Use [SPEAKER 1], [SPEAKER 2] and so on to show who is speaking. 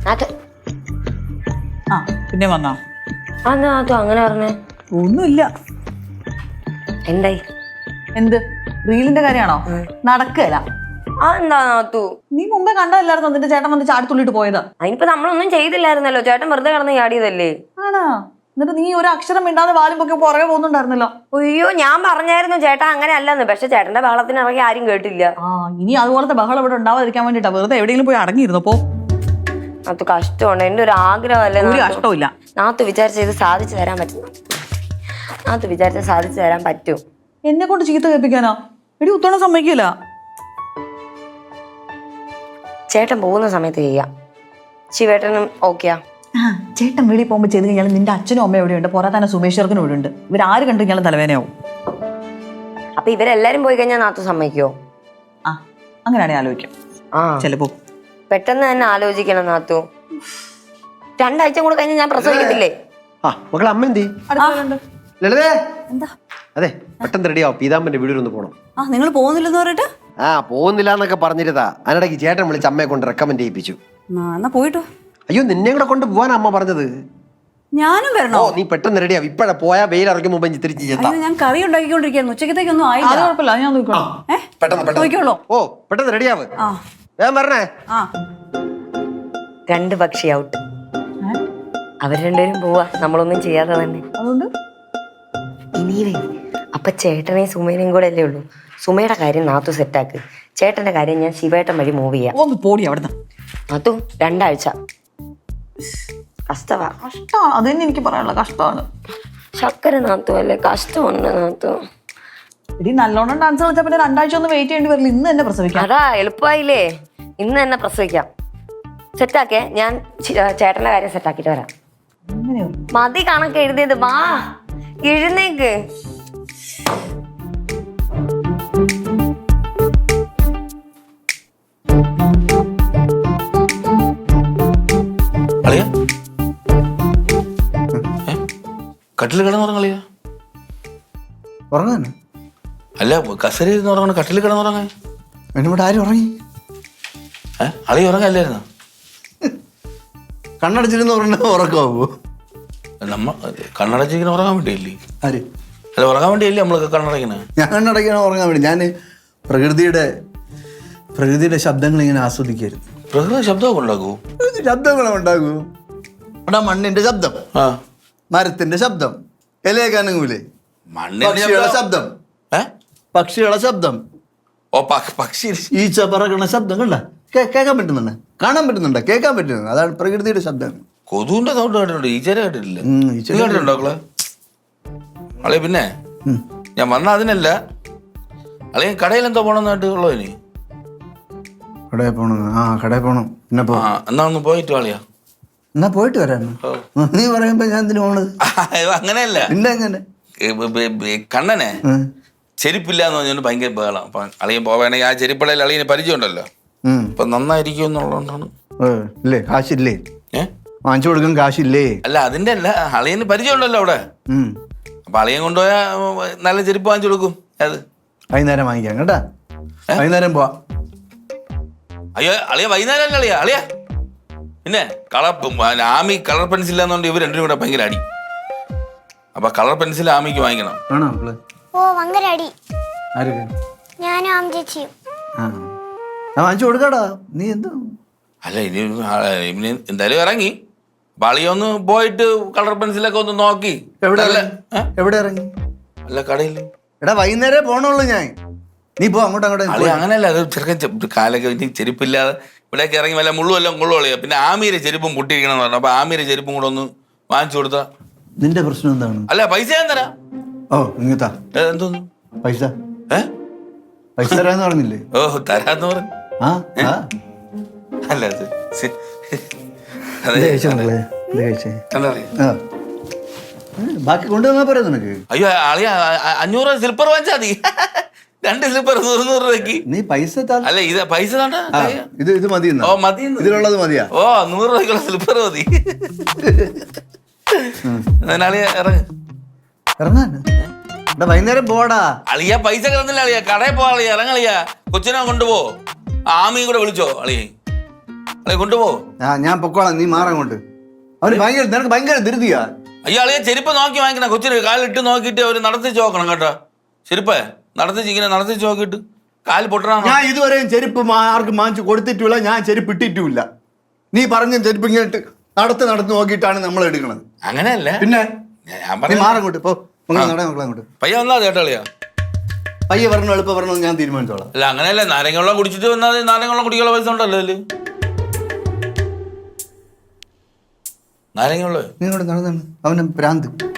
[SPEAKER 1] പിന്നെ വന്നാ
[SPEAKER 2] അങ്ങനെ പറഞ്ഞേ
[SPEAKER 1] ഒന്നുമില്ല.
[SPEAKER 2] എന്തായി?
[SPEAKER 1] എന്ത് റീലിന്റെ കാര്യമാണോ? നടക്കല.
[SPEAKER 2] എന്താ നാത്തു?
[SPEAKER 1] നീ മുമ്പേ കണ്ടതല്ലായിരുന്നോ നിന്റെ ചേട്ടൻ വന്ന് ചാടിത്തുള്ളിട്ട് പോയത്?
[SPEAKER 2] അതിനിപ്പോ നമ്മളൊന്നും ചെയ്തില്ലായിരുന്നല്ലോ, ചേട്ടൻ വെറുതെ കിടന്ന് ചാടിയതല്ലേ.
[SPEAKER 1] ആണോ? എന്നിട്ട് നീ ഒരു അക്ഷരം മിണ്ടാതെ വാലും പൊക്കി പുറകെ പോകുന്നുണ്ടായിരുന്നല്ലോ.
[SPEAKER 2] അയ്യോ, ഞാൻ പറഞ്ഞായിരുന്നു ചേട്ടാ അങ്ങനെ അല്ലെന്ന്. പക്ഷെ ചേട്ടന്റെ ബഹളത്തിന് ഇറങ്ങി ആരും കേട്ടില്ല.
[SPEAKER 1] ഇനി അതുപോലത്തെ ബഹളം ഇവിടെ ഉണ്ടാവാതിരിക്കാൻ വേണ്ടിട്ടാ വെറുതെ എവിടെയെങ്കിലും പോയി അടങ്ങിയിരുന്നു പോ.
[SPEAKER 2] നാത്തു കഷ്ടമുണ്ട്, എന്റെ ഒരു ആഗ്രഹമല്ലേ.
[SPEAKER 1] ഒരു കഷ്ടമില്ല.
[SPEAKER 2] നാത്തു വിചാരിച്ച ഇത് സാധിച്ചു തരാൻ പറ്റും. നാത്തു വിചാരിച്ച സാധിച്ചു തരാൻ പറ്റും.
[SPEAKER 1] എന്നെ കൊണ്ട് ചീത്ത കേൾപ്പിക്കാനോ? എടി ഉത്തോണം സമ്മതിക്കില്ല.
[SPEAKER 2] ചേട്ടൻ പോകുന്ന സമയത്ത് ചെയ്യാം. ശിവേട്ടനും ഓക്കെയാ?
[SPEAKER 1] ചേട്ടൻ വെളിയിൽ പോകുമ്പോൾ ചെയ്ത് കഴിഞ്ഞാൽ നിന്റെ അച്ഛനും അമ്മയും എവിടെയുണ്ട്, പുറത്ത് തന്നെ സുമേഷ് ചെറുക്കനും ഇവിടെ ഉണ്ട്. ഇവരാര് കണ്ടു കഴിഞ്ഞാലും തലവേനയാവും.
[SPEAKER 2] അപ്പൊ ഇവരെല്ലാരും പോയി കഴിഞ്ഞാൽ നാത്തു സമ്മതിക്കോ?
[SPEAKER 1] അങ്ങനെയാണെങ്കിൽ ആലോചിക്കാം. ചിലപ്പോ
[SPEAKER 2] പെട്ടെന്ന് തന്നെ ആലോചിക്കണം നാത്തു. 2 ആഴ്ച കൂടെ കഴിഞ്ഞ് ഞാൻ പ്രസവിക്കത്തില്ലേ?
[SPEAKER 3] അമ്മ എന്തി? ലളിതേ, അതെ പെട്ടെന്ന് റെഡിയാവും. പീതാമ്പന്റെ വീടിലൊന്ന് പോണം.
[SPEAKER 1] നിങ്ങൾ പോകുന്നില്ലെന്ന് പറഞ്ഞിട്ട്?
[SPEAKER 3] പോകുന്നില്ല എന്നൊക്കെ പറഞ്ഞിരുതാ. അതിനിടയ്ക്ക് ചേട്ടൻ വിളിച്ച് അമ്മയെ കൊണ്ട് റെക്കമെൻഡ് ചെയ്യിപ്പിച്ചു.
[SPEAKER 1] എന്നാ പോയിട്ടോ.
[SPEAKER 3] അയ്യോ, നിന്നെ കൂടെ കൊണ്ട് പോവാൻ അമ്മ പറഞ്ഞത്.
[SPEAKER 1] ഞാനും വരണോ?
[SPEAKER 3] നീ പെട്ടെന്ന് റെഡിയാവും. ഇപ്പഴാ പോയാ വെയിൽ ഇറങ്ങി മുമ്പ് തിരിച്ച് ചെത്താം.
[SPEAKER 1] ഞാൻ കറി ഉണ്ടാക്കിക്കൊണ്ടിരിക്കുന്നു. ഉച്ചക്കത്തേക്കൊന്നും ആയില്ല. കുഴപ്പമില്ല, ഞാൻ നോക്കിക്കോളാം.
[SPEAKER 3] പെട്ടെന്ന് റെഡിയാവ്. ഞാൻ പറഞ്ഞേ.
[SPEAKER 2] 2 പക്ഷി ഔട്ട്. അവർ രണ്ടുപേരും പോവാ, നമ്മളൊന്നും ചെയ്യാതെ തന്നെ.
[SPEAKER 1] അതുകൊണ്ട്
[SPEAKER 2] ഇനിയേ അപ്പൊ ചേട്ടനെയും സുമേനയും കൂടെ അല്ലേ ഉള്ളൂ. സുമയുടെ കാര്യം നാത്തു സെറ്റാക്ക്. ചേട്ടന്റെ കാര്യം ഞാൻ ശിവേട്ടൻ വഴി മൂവ് ചെയ്യാം.
[SPEAKER 1] ഒന്ന് പോടി അവിടുന്ന്.
[SPEAKER 2] നാത്തു 2 ആഴ്ച കഷ്ടവാ.
[SPEAKER 1] അതന്നെ എനിക്ക് പറയാനുള്ള കഷ്ടമാണ്.
[SPEAKER 2] ശക്കര നാത്തു അല്ലേ, കഷ്ടമുണ്ട് നാത്തു.
[SPEAKER 1] ഇനി നല്ലോണം ഡാൻസ് കളിച്ചാൽ പിന്നെ 2 ആഴ്ച ഒന്നും വെയിറ്റ് ചെയ്യേണ്ടി വരില്ല. ഇന്ന് തന്നെ പ്രസവിക്കാം.
[SPEAKER 2] അതാ എളുപ്പമായില്ലേ, ഇന്ന് തന്നെ പ്രസവിക്കാം. സെറ്റാക്കേ, ഞാൻ ചേട്ടന്റെ കാര്യം സെറ്റാക്കിട്ട് വരാം. മതി കണക്ക് എഴുതിയത്, വാ എഴുന്നേക്ക്.
[SPEAKER 4] കട്ടിൽ കിടന്നുറങ്ങളിയ
[SPEAKER 5] ഉറങ്ങാൻ
[SPEAKER 4] അല്ല, കസര ഇരുന്ന് ഉറങ്ങണ, കട്ടിൽ കിടന്നുറങ്ങാൻ.
[SPEAKER 5] ഇവിടെ ആരും ഉറങ്ങി?
[SPEAKER 4] അളി ഉറങ്ങല്ലായിരുന്നു?
[SPEAKER 5] കണ്ണടച്ചിരുന്ന് ഉറങ്ങ ഉറക്കമാവോ?
[SPEAKER 4] നമ്മ കണ്ണടച്ചിരിക്കുന്ന ഉറങ്ങാൻ വേണ്ടിയല്ലേ?
[SPEAKER 5] ആര്?
[SPEAKER 4] അല്ല, ഉറങ്ങാൻ വേണ്ടിയല്ലേ നമ്മളൊക്കെ കണ്ണടയ്ക്കണേ?
[SPEAKER 5] ഞാൻ കണ്ണടയ്ക്കണോ ഉറങ്ങാൻ വേണ്ടി? ഞാൻ പ്രകൃതിയുടെ ശബ്ദങ്ങൾ ഇങ്ങനെ ആസ്വദിക്കായിരുന്നു.
[SPEAKER 4] പ്രകൃതി ശബ്ദമൊക്കെ ഉണ്ടാക്കൂ?
[SPEAKER 5] ശബ്ദങ്ങളെ ഉണ്ടാകൂ. അവിടെ മണ്ണിന്റെ ശബ്ദം, മരത്തിന്റെ ശബ്ദം, ഇലയക്കാനങ്ങൂലേ, പക്ഷികളുടെ ശബ്ദം, പക്ഷികളുടെ ശബ്ദം,
[SPEAKER 4] പക്ഷി
[SPEAKER 5] ഈച്ച പറക്കണ ശബ്ദം കണ്ട കേൾക്കാൻ പറ്റുന്നുണ്ട്, കാണാൻ പറ്റുന്നുണ്ട്, കേൾക്കാൻ പറ്റുന്നുണ്ട്. അതാണ് പ്രകൃതിയുടെ ശബ്ദം.
[SPEAKER 4] കൊതുവിന്റെ സൗണ്ട് കേട്ടിട്ടുണ്ട്, ഈച്ചരെ കേട്ടിട്ടില്ല. കേട്ടിട്ടുണ്ടോ അളി? പിന്നെ ഞാൻ വന്ന അതിനല്ല, അളിയ കടയിൽ എന്തോ പോണെന്നായിട്ട് ഉള്ളോ? ഇനി
[SPEAKER 5] കടയിൽ പോണം. കടയിൽ പോണം. പിന്നെ
[SPEAKER 4] എന്നാ ഒന്ന് പോയിട്ട് കളിയാ.
[SPEAKER 5] എന്നാ പോയിട്ട് വരാനോ? നീ പറയുമ്പോ ഞാൻ എന്തിനു പോണത്?
[SPEAKER 4] അങ്ങനെയല്ല,
[SPEAKER 5] പിന്നെ എങ്ങനെ
[SPEAKER 4] കണ്ണനെ ചെരുപ്പില്ല എന്ന് പറഞ്ഞോണ്ട് ഭയങ്കര ബഹളം. അപ്പൊ അളിയൻ പോവാണെങ്കിൽ ആ ചെരുപ്പടയിൽ അളിയന് പരിചയം ഉണ്ടല്ലോ, അപ്പൊ നന്നായിരിക്കും എന്നുള്ളതുകൊണ്ടാണ്.
[SPEAKER 5] ഇല്ലേ, കാശില്ലേ? വാങ്ങിച്ചു കൊടുക്കാൻ കാശില്ലേ?
[SPEAKER 4] അല്ല, അതിന്റെ അല്ല, അളിയന് പരിചയം ഉണ്ടല്ലോ അവിടെ. അപ്പൊ അളിയൻ കൊണ്ടുപോയാ നല്ല ചെരുപ്പ് വാങ്ങിച്ചു കൊടുക്കും. അത്
[SPEAKER 5] വൈകുന്നേരം വാങ്ങിക്കാം കേട്ടാ. വൈകുന്നേരം പോവാ.
[SPEAKER 4] അയ്യോ അളിയ, വൈകുന്നേരം അല്ല അളിയ. അളിയ പിന്നെ ആമി കളർ പെൻസിൽ എന്നുകൊണ്ട് ഇവർ രണ്ടും കൂടെ ഭയങ്കര അടി. അപ്പൊ കളർ പെൻസിൽ ആമിക്ക് വാങ്ങിക്കണം.
[SPEAKER 5] ഞാനും വാങ്ങിച്ചു കൊടുക്കാടാ. നീ എന്താ?
[SPEAKER 4] അല്ല, ഇനി എന്തായാലും ഇറങ്ങി അളിയൊന്ന് പോയിട്ട് കളർ പെൻസിലൊക്കെ ഒന്ന് നോക്കി.
[SPEAKER 5] എവിടെ ഇറങ്ങി?
[SPEAKER 4] അല്ല, കടയിൽ.
[SPEAKER 5] എടാ വൈകുന്നേരം പോണുള്ളൂ ഞാൻ. നീ പോ അങ്ങോട്ട്.
[SPEAKER 4] അളി അങ്ങനെയല്ല, അത് ചെറുക്കൻ കാലൊക്കെ ഇനി ചെരുപ്പില്ലാതെ ഇവിടേക്ക് ഇറങ്ങി വല്ല മുള്ളുമെല്ലാം കൊള്ളുകളിയാ. പിന്നെ ആമീരെ ചെരുപ്പും പൊട്ടിയിരിക്കണം എന്ന് പറഞ്ഞു. അപ്പൊ ആമീരെ ചെരുപ്പും കൂടെ ഒന്ന് വാങ്ങിച്ചു കൊടുത്താ.
[SPEAKER 5] നിന്റെ പ്രശ്നം എന്താണ്?
[SPEAKER 4] അല്ല, പൈസ ഞാൻ തരാം.
[SPEAKER 5] ഇങ്ങത്താ
[SPEAKER 4] എന്തോന്നു
[SPEAKER 5] പൈസ? പൈസ തരാന്ന് പറഞ്ഞില്ലേ?
[SPEAKER 4] തരാന്ന് പറഞ്ഞു. അല്ല,
[SPEAKER 5] ബാക്കി കൊണ്ടുവന്നാ പോരാ നിനക്ക്?
[SPEAKER 4] അയ്യോ അളിയ, 500 സ്ലിപ്പർ വാങ്ങിച്ചാ മതി. 2 സ്ലിപ്പർ 100 രൂപയ്ക്ക്.
[SPEAKER 5] നീ പൈസ
[SPEAKER 4] അല്ല, ഇത് പൈസ
[SPEAKER 5] ഇത് മതി.
[SPEAKER 4] മതി,
[SPEAKER 5] ഇതിലുള്ളത് മതിയാ?
[SPEAKER 4] 100 രൂപയ്ക്കുള്ള സ്ലിപ്പർ മതി. അളിയ
[SPEAKER 5] ഇറങ്ങാൻ വൈകുന്നേരം പോടാ.
[SPEAKER 4] അളിയ പൈസ കിടന്നില്ല അളിയ, കടയിൽ പോവാ. അളിയ ഇറങ്ങളിയ, കൊച്ചിനെ കൊണ്ടുപോ. ആമിയും കൂടെ വിളിച്ചോ അളിയ. അളിയ കൊണ്ടുപോ.
[SPEAKER 5] ഞാൻ പൊക്കോളാം, നീ മാറങ്ങോട്ട്. അവന് നിനക്ക് ഭയങ്കര ധൃതിയാ.
[SPEAKER 4] അയ്യോ അളിയ ചെരുപ്പ് നോക്കി വാങ്ങിക്കണം. കൊച്ചിന് കാലിട്ട് നോക്കിയിട്ട് അവര് നടത്തിച്ച് നോക്കണം കേട്ടോ. ചെരുപ്പ് നടത്തിച്ച് ഇങ്ങനെ നടത്തിച്ച് നോക്കിയിട്ട് കാല് പൊട്ടണ.
[SPEAKER 5] ഞാൻ ഇതുവരെയും ചെരുപ്പ് ആർക്കും വാങ്ങിച്ചു കൊടുത്തിട്ടില്ല, ഞാൻ ചെരുപ്പ് ഇട്ടിട്ടുമില്ല. നീ പറഞ്ഞ ചെരുപ്പ് ഇങ്ങനെ നടത്ത് നോക്കിയിട്ടാണ് നമ്മൾ എടുക്കണത്.
[SPEAKER 4] അങ്ങനെയല്ല,
[SPEAKER 5] പിന്നെ
[SPEAKER 4] ഞാൻ
[SPEAKER 5] നീ
[SPEAKER 4] പറഞ്ഞു
[SPEAKER 5] മാറങ്ങോട്ട് പോ, അങ്ങോട്ട്.
[SPEAKER 4] പയ്യ വന്നാ ചേട്ടാ അളിയ.
[SPEAKER 5] പയ്യെ പറഞ്ഞു എളുപ്പം പറഞ്ഞു ഞാൻ തീരുമാനിച്ചോളാം.
[SPEAKER 4] അല്ല അങ്ങനെയല്ല, നാരങ്ങ വെള്ളം കുടിച്ചിട്ട് വന്നാൽ നാരങ്ങ വെള്ളം കുടിക്കാനുള്ള പൈസ ഉണ്ടല്ലോ അതില്. നാരങ്ങ വെള്ളം
[SPEAKER 5] നീ ഇങ്ങോട്ട് നടന്നാണ് അവന് ഭ്രാന്ത്.